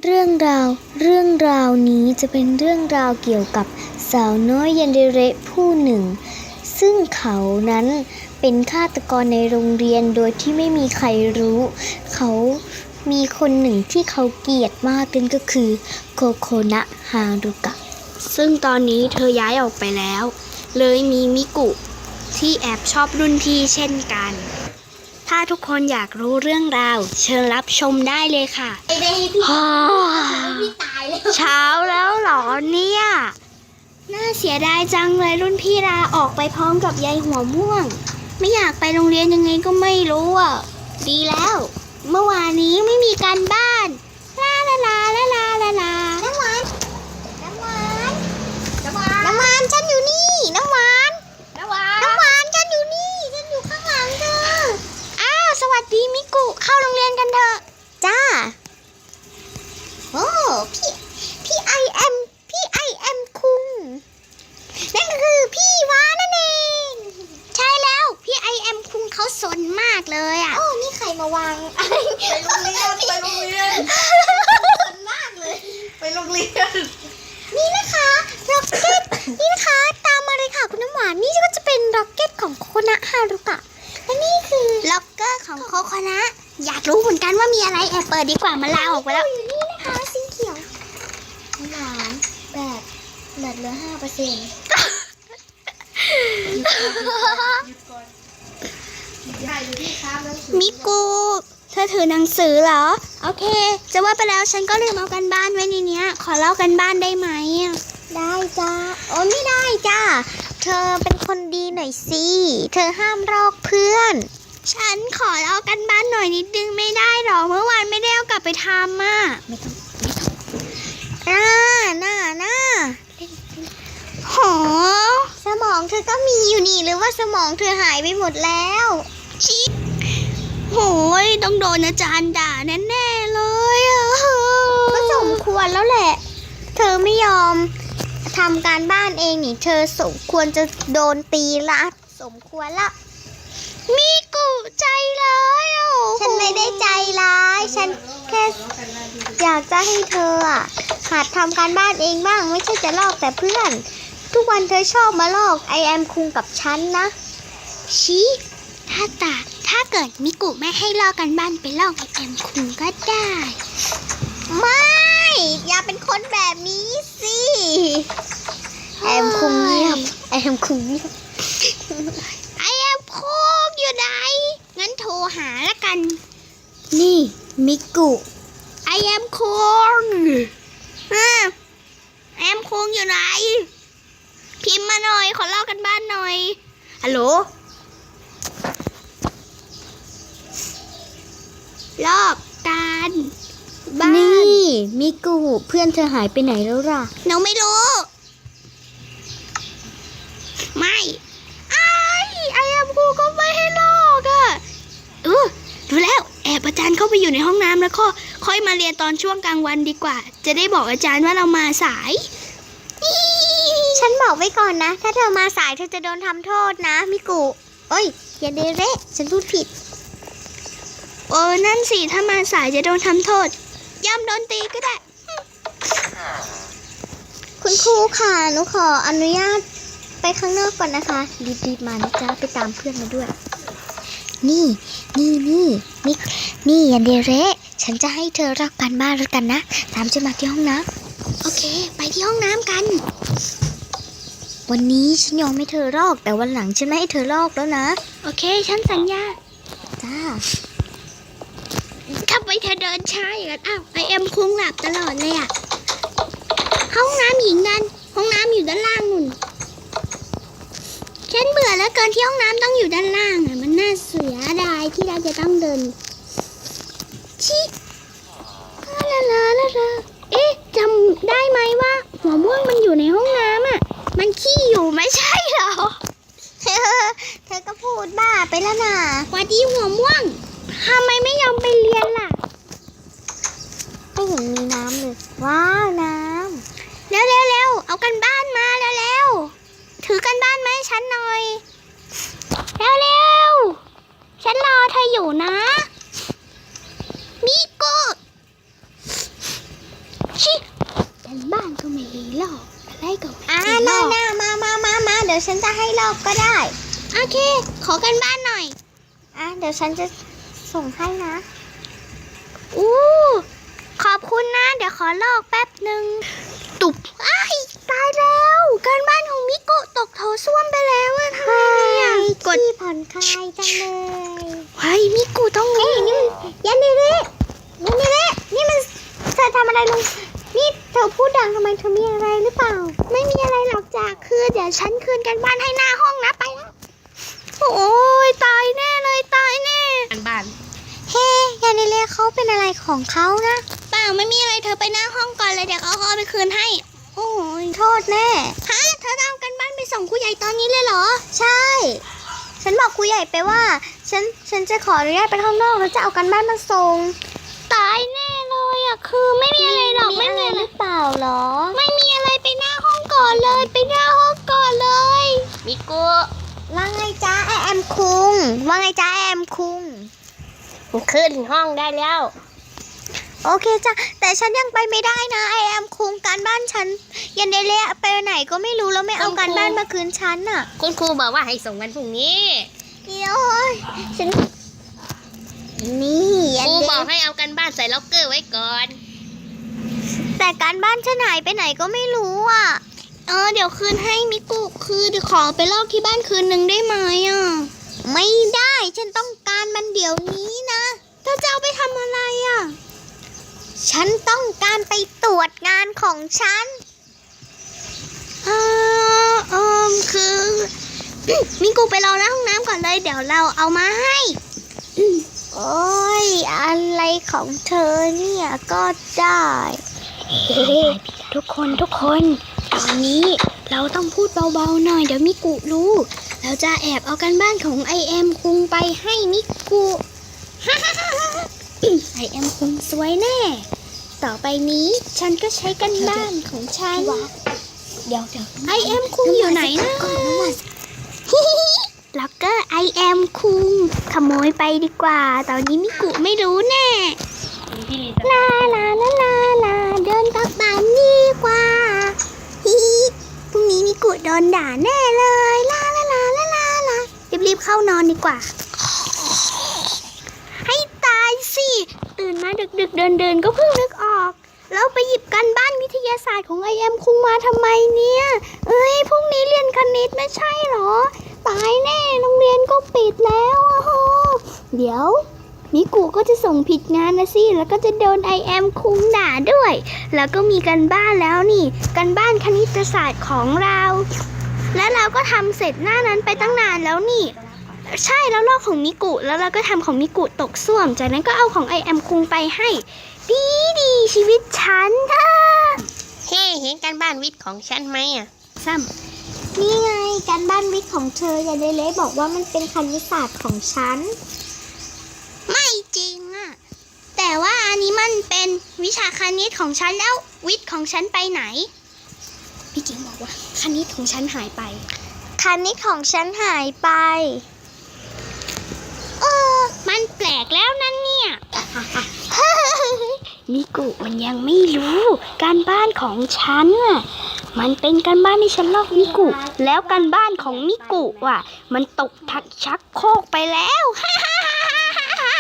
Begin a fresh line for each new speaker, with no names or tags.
เรื่องราวนี้จะเป็นเรื่องราวเกี่ยวกับสาวน้อยยันเดเระผู้หนึ่งซึ่งเขานั้นเป็นฆาตกรในโรงเรียนโดยที่ไม่มีใครรู้เขามีคนหนึ่งที่เขาเกลียดมากนั่นก็คือโคโคนะฮารุกะ
ซึ่งตอนนี้เธอย้ายออกไปแล้วเลยมีมิกุที่แอบชอบรุ่นพี่เช่นกันถ้าทุกคนอยากรู้เรื่องราวเชิญรับชมได้เลยค่ะ
พี่ตายแล้ว
เช้าแล้วเหรอเนี่ยน่าเสียดายจังเลยรุ่นพี่ลาออกไปพร้อมกับยายหัวม่วงไม่อยากไปโรงเรียนยังไงก็ไม่รู้อ่ะดีแล้วเมื่อวานนี้ไม่มีการบ้านลาลาลาลาลาลาลา
น้ำหวานฉันอยู่นี่น้ำหวานฉันอยู่นี่ฉันอยู่ข้างหลังเธอ
อ้าวสวัสดีมิกุเข้าโรงเรียนกันเถอะ
จ้าโอ้พี่ไอแอมคุงนั่นก็คือพี่วานั่นเอง
ใช่แล้วพี่ไอแอมคุงเขาสนมากเลยอ่ะ
โอ้นี่ใครมาวาง
ไปโรงเรียนสนมากเลยไปโรงเรียน
นี่นะคะร็อกเก็ตนี่นะคะตามมาเลยค่ะคุณน้ำหวานนี่ก็จะเป็นร็อกเก็ตของโคโคนะฮารุกะและนี่คือ
ล็อกเกอร์ของโคโคนะอยากรู้เหมือนกันว่ามีอะไรแอบเปิดดีกว่ามาลาออกไปแล้ว
อยู่นี่นะคะสีเขียวน้ำหวานแบบเหลือ5%
มิกุเธอถือหนังสือเหรอโอเคจะว่าไปแล้วฉันก็ลืมเอากันบ้านไว้ในเนี้ยขอเล่ากันบ้านได้ไหม
ได้จ้าโอ้ไม่ได้จ้าเธอเป็นคนดีหน่อยสิเธอห้ามลอกเพื่อน
ฉันขอเล่ากันบ้านหน่อยนิดนึงไม่ได้หรอเมื่อวานไม่ได้เอากลับไปทำอ่ะ
ไม่ต้องน่า
โห
สมองเธอก็มีอยู่นี่หรือว่าสมองเธอหายไปหมดแล้ว
ชิโหยต้องโดนอาจารย์ด่าแน่ๆเลย
ก็สมควรแล้วแหละเธอไม่ยอมทำการบ้านเองนี่เธอสมควรจะโดนตีละสมควรละ
มิกุใจร้าย
ฉันไม่ได้ใจร้ายฉันแค่อยากจะให้เธอหัดทำการบ้านเองบ้างไม่ใช่จะลอกแต่เพื่อนทุกวันเธอชอบมาลอกไอแอมคุงกับฉันนะ
ชี้ถ้าเกิดมิกุไม่ให้ลอกกันบ้านไปลอกไอแอมคุงก็ได้
ไม่อย่าเป็นคนแบบนี้สิไอแอมคุงเงียบไอแอมคุง
อยู่ไหนงั้นโทรหาละกัน
นี่มิกุ
ไอแอมคุงแอมคุงอยู่ไหนพิมพ์มาหน่อยขอเล่ากันบ้านหน่อยฮัลโหลลอกกันบ้าน
นี่มิกุเพื่อนเธอหายไปไหนแล้วล่ะ
หนูไม่รู้ไม่ไอแอมคุงก็ไม่ให้ลอกดูแล้วแอบอาจารย์เข้าไปอยู่ในห้องน้ำแล้วก็ค่อยมาเรียนตอนช่วงกลางวันดีกว่าจะได้บอกอาจารย์ว่าเรามาสาย
ฉันบอกไว้ก่อนนะถ้าเธอมาสายเธอจะโดนทำโทษนะมิกุอย่าเดเระฉันพูดผิด
นั่นสิถ้ามาสายจะโดนทำโทษย่ำโดนตีก็ได้
คุณครูค่ะหนูขออนุญาตไปข้างนอกก่อนนะคะรีบๆมานะจ๊ะไปตามเพื่อนมาด้วยนี่อย่าเดเระฉันจะให้เธอรักกันบ้านแล้วกันนะตามฉันมาที่ห้องน้
ำโอเคไปที่ห้องน้ำกัน
วันนี้ฉันยอมให้เธอลอกแต่วันหลังฉันไม่ให้เธอลอกแล้วนะ
โอเคฉันสัญญา
จ้า
ทำไมเธอเดินช้าอย่างนั้นไอแอมคุงหลับตลอดเลยห้องน้ำหญิงนั่นห้องน้ำอยู่ด้านล่างนู่นฉันเบื่อแล้วเกินที่ห้องน้ำต้องอยู่ด้านล่างมันน่าเสียดายที่เราจะต้องเดินชิลาจำได้ไหมว่าหัวม่วงมันอยู่ในห้องน้ำมันขี้อยู่ไม่ใช่เหรอ
เธอก็พูดบ้าไปแล้วนะ
วัดดีหัวม่วงทำไมไม่ยอมไปเรียนล่ะ
ไม่เห็นมีน้ำเลยว้าวน้
ำเร็วเอากันบ้านมาเร็วถือกันบ้านมาให้ฉันหน่อยเร็วฉันรอเธออยู่นะมิกุชิกันบ้านก็ไม่ได้ลอกอะไรก็ไม่
อ่า
ได้ล
น่า
อก
น่ามาเดี๋ยวฉันจะให้ลอกก็ได้
โอเค ขอกันบ้านหน่อย
เดี๋ยวฉันจะส่งให้นะ
อู้ขอบคุณนะ เดี๋ยวขอลอกแป๊บหนึ่งตุบอ้ายตายแล้วการบ้านของมิโกะตกโถส้วมไปแล้วอะทำไมเนี่ยกด
ที่ผ่อนคลายจังเลย
เฮ้ยมิโกะต้องรู้
นี่ยันนี่นี่นี่มันเธอทำอะไรลงนี่เธอพูดดังทำไมเธอมีอะไรหรือเปล่า
ไม่มีอะไรหรอกจ้ะคือเดี๋ยวฉันคืนกันบ้านให้หน้าห้องนะไปแล้วโอ้ยตายแน่เลยตายแน่กันบ้าน
เฮ้ยันนี่เขาเป็นอะไรของเขานะ
เปล่าไม่มีอะไรเธอไปหน้าห้องก่อนเลยเดี๋ยวเขาเอาไปคืนให้
โอ้ยโทษแน่
ฮะเธอจะเอากันบ้านไปส่งครูใหญ่ตอนนี้เลยเหรอ
ใช่ ฉันบอกครูใหญ่ไปว่า ฉันจะขออนุญาตไปข้างนอกแล้วจะเอากันบ้านมาส่ง
ตายแน่เลยอ่ะคือไม่มีอะไรหรอกไม่มีอะไร
หรือเปล่าหรอ
ไม่มีอะไรไปหน้าห้องก่อนเลยไปหน้าห้องก่อนเลยมิโกะ
ว่าไงจ้าไอแอมคุงว่าไงจ้าไอแอมคุง
ขึ้นห้องได้แล้ว
โอเคจ้ะแต่ฉันยังไปไม่ได้นะไอแอมคุงการบ้านฉันยันเดเละไปไหนก็ไม่รู้แล้วไม่เอาการบ้านมาคืนฉันน่ะ
คุณครูบอกว่าให้ส่งวันพรุ่งนี้
เดี๋ยวฉันนี่ยั
คน รู
เด
บอกให้เอากันบ้านใส่ล็อกเกอร์ไว้ก่อน
แต่การบ้านฉันหายไปไหนก็ไม่รู้อ่ะ
เดี๋ยวคืนให้มิกุคือเดี๋ยวขอไปลอกที่บ้านคืนหนึ่งได้ไหมอ่ะ
ไม่ได้ฉันต้องการมันเดี๋ยวนี้นะ
เธอจะเอาไปทำอะไรอ่ะ
ฉันต้องการไปตรวจงานของฉัน
คือ มิกุไปรอหน้าห้องน้ำก่อนเลยเดี๋ยวเราเอามาให้
โอ้ยอะไรของเธอเนี่ยก็ได้
ทุกคนตอนนี้เราต้องพูดเบาๆหน่อยเดี๋ยวมิกุรู้เราจะแอบเอากันบ้านของไอแอมคุงไปให้มิกุ ไอแอมคุงสวยแน่ ต่อไปนี้ฉันก็ใช้กันบ้านของฉัน
เดี๋ยว
ไอแอมคุงอยู่ไหนนะล็อกเกอร์ไอแอมคุงขโมยไปดีกว่า ตอนนี้มิกุไม่รู้แน่ลาเดินกลับบ้านดีกว่าฮิพรุ่งนี้มิกุโดนด่าแน่เลยลารีบเข้านอนดีกว่า ให้ตายสิตื่นมาดึกเดินก็เพิ่งนึกออกแล้วไปหยิบกันบ้านวิทยาศาสตร์ของไอแอมคุงมาทำไมเนี่ยพรุ่งนี้เรียนคณิตไม่ใช่เหรอตายแน่โรงเรียนก็ปิดแล้วอะโหเดี๋ยวมิกุก็จะส่งผิดงานนะสิแล้วก็จะโดนไอแอมคุงด่าด้วยแล้วก็มีกันบ้านแล้วนี่กันบ้านคณิตศาสตร์ของเราและเราก็ทำเสร็จหน้านั้นไปตั้งนานแล้วนี่ใช่แล้วลอกของมิกุแล้วเราก็ทำของมิกุตกส้วมจากนั้นก็เอาของไอแอมคุงไปให้ดีชีวิตฉันเฮ้เห็นการบ้านวิทย์ของฉันไหมอ่ะซ้ำ
นี่ไงการบ้านวิทย์ของเธอยันเดเละบอกว่ามันเป็นคณิตศาสตร์ของฉัน
ไม่จริงอะแต่ว่าอันนี้มันเป็นวิชาคณิตของฉันแล้ววิทย์ของฉันไปไหนพี่จิงบอกว่าคณิตของฉันหายไป
คณิตของฉันหายไป
มันแปลกแล้วนั่นเนี่ย มิกุมันยังไม่รู้การบ้านของฉันอะมันเป็นการบ้านที่ฉันลอกมิกุแล้วการบ้านของมิกุอ่ะมันตกทักชักโครกไปแล้ว